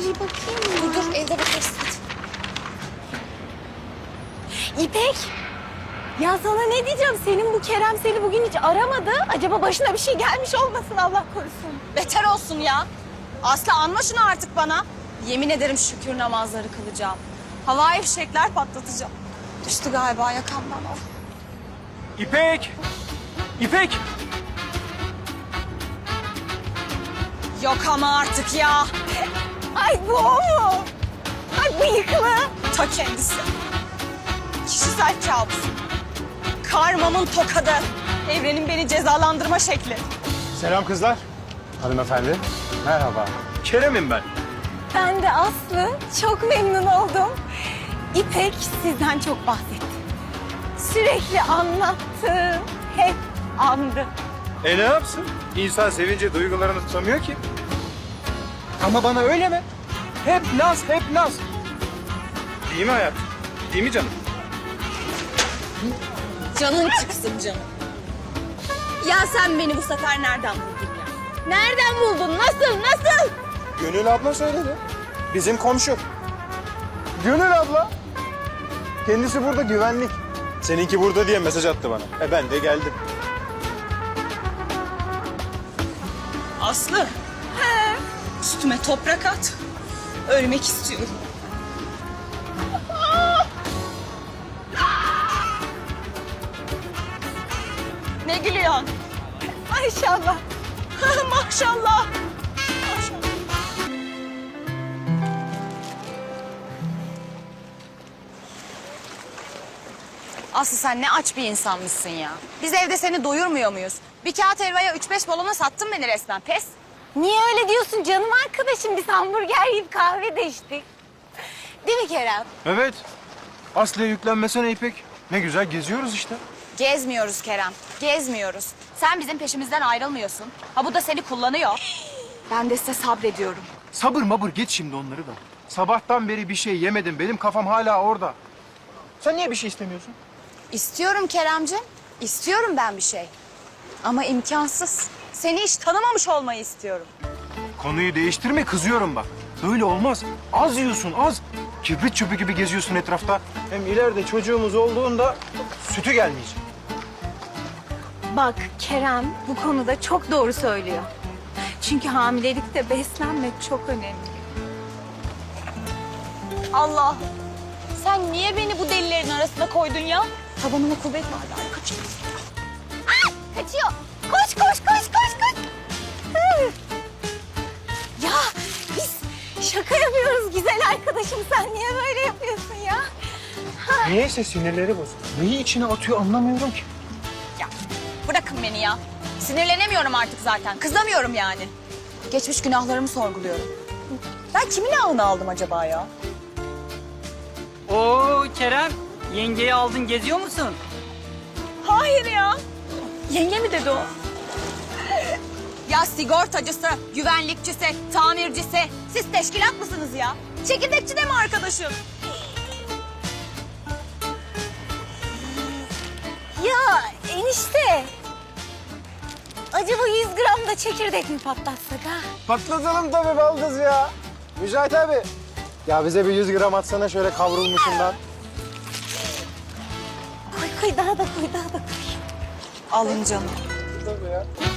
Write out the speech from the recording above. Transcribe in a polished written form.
bir bakayım mı? Dur evde bakarız. İpek. Ya sana ne diyeceğim? Senin bu Kerem seni bugün hiç aramadı. Acaba başına bir şey gelmiş olmasın Allah korusun. Beter olsun ya. Aslı anma şunu artık bana. Yemin ederim şükür namazları kılacağım. Havai fişekler patlatacağım. Düştü galiba yakamdan o. İpek! İpek! Yok ama artık ya. Ay bu o mu? Ay bıyıklı. Ta kendisi. Kişisel kabus. Karmamın tokadı. Evrenin beni cezalandırma şekli. Selam kızlar. Hanımefendi. Merhaba. Kerem'im ben. Ben de Aslı. Çok memnun oldum. İpek sizden çok bahsetti. Sürekli anlattı. Hep andı. Ne yapsın? İnsan sevince duygularını tutamıyor ki. Ama bana öyle mi? Hep naz, hep naz. Değil mi hayat? Değil mi canım? Canın çıksın canım. Ya sen beni bu sefer nereden buldun ya? Nereden buldun? Nasıl? Nasıl? Gönül abla söyledi. Bizim komşu. Gönül abla. Kendisi burada güvenlik. Seninki burada diye mesaj attı bana. Ben de geldim. Aslı. He. Üstüme toprak at. Ölmek istiyorum. Ne gülüyorsun? Maşallah. Maşallah. Aslı sen ne aç bir insanmışsın ya. Biz evde seni doyurmuyor muyuz? Bir kağıt helvaya 3-5 balona sattın beni resmen. Pes. Niye öyle diyorsun canım arkadaşım? Biz hamburger yiyip kahve de içtik. Değil mi Kerem? Evet. Aslı'ya yüklenmesene İpek. Ne güzel geziyoruz işte. Gezmiyoruz Kerem. Gezmiyoruz. Sen bizim peşimizden ayrılmıyorsun. Ha bu da seni kullanıyor. Ben de size sabrediyorum. Sabır mabır geç şimdi onları da. Sabahtan beri bir şey yemedim. Benim kafam hala orada. Sen niye bir şey istemiyorsun? İstiyorum Keremciğim. İstiyorum ben bir şey. Ama imkansız. Seni hiç tanımamış olmayı istiyorum. Konuyu değiştirme, kızıyorum bak. Böyle olmaz. Az yiyorsun, az. Kibrit çöpü gibi geziyorsun etrafta. Hem ileride çocuğumuz olduğunda sütü gelmeyecek. Bak Kerem bu konuda çok doğru söylüyor. Çünkü hamilelikte beslenmek çok önemli. Allah. Sen niye beni bu delilerin arasına koydun ya? Tabanıma kuvvet vardı. Ay kaçın. Kaçıyor. Koş koş koş koş koş. Hı. Ya biz şaka yapıyoruz güzel arkadaşım. Sen niye böyle yapıyorsun ya? Niyeyse sinirleri bozuk. Neyi içine atıyor anlamıyorum ki. Ya bırakın beni ya. Sinirlenemiyorum artık zaten. Kızamıyorum yani. Geçmiş günahlarımı sorguluyorum. Ben kimin ağını aldım acaba ya? Oo Kerem, yengeyi aldın geziyor musun? Hayır ya. Yenge mi dedi o? Ya sigortacısı, güvenlikçisi, tamircisi. Siz teşkilat mısınız ya? Çekirdekçi de mi arkadaşım? Ya enişte. Acaba 100 gram da çekirdek mi patlatsak ha? Patlatalım tabii baldız ya. Mücahit abi. Ya bize bir 100 gram atsana şöyle kavrulmuşundan. Koy koy daha da koy daha da koy. Alın canım. Tabii ya.